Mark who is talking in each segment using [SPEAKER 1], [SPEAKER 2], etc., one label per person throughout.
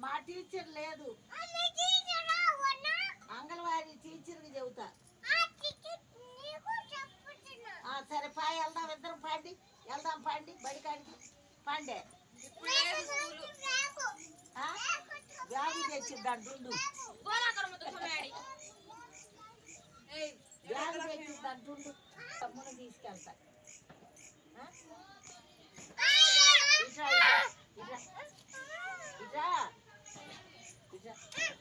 [SPEAKER 1] మా టీచర్ లేదు, అంగన్వాడీ టీచర్కి చెబుతా. సరే పాయ వెళ్దాం, ఇద్దరం పండి వెళ్దాం, పండి బడికాడికి పండే. బ్యాగు తెచ్చిద్దాం దుండు, బ్యాగు తెచ్చిద్దాం దుండు, తమ్ముని తీసుకెళ్తా. ఇట్రా ఇట్రా ఇట్రా ఇట్రా.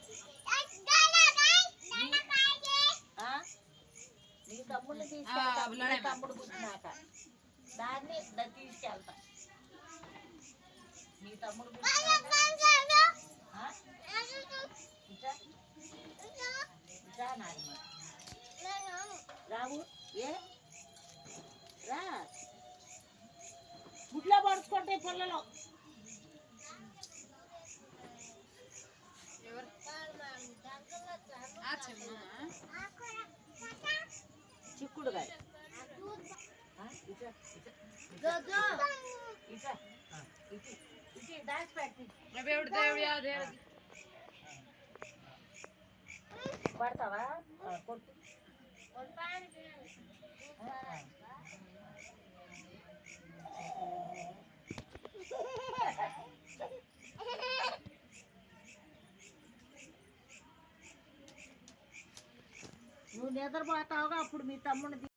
[SPEAKER 1] నీ తమ్ముడిని తీసుకెళ్తా, నీ తమ్ముడు పుట్టినాక దాన్ని తీసుకెళ్తా. నీ తమ్ముడు రావు ఏ రా, గుడ్లో పడుచుకుంటే పిల్లలు. చిక్కుడుగా పడతావా? కొట్టు. నువ్వు నిద్రపోతావుగా, అప్పుడు మీ తమ్ముడిని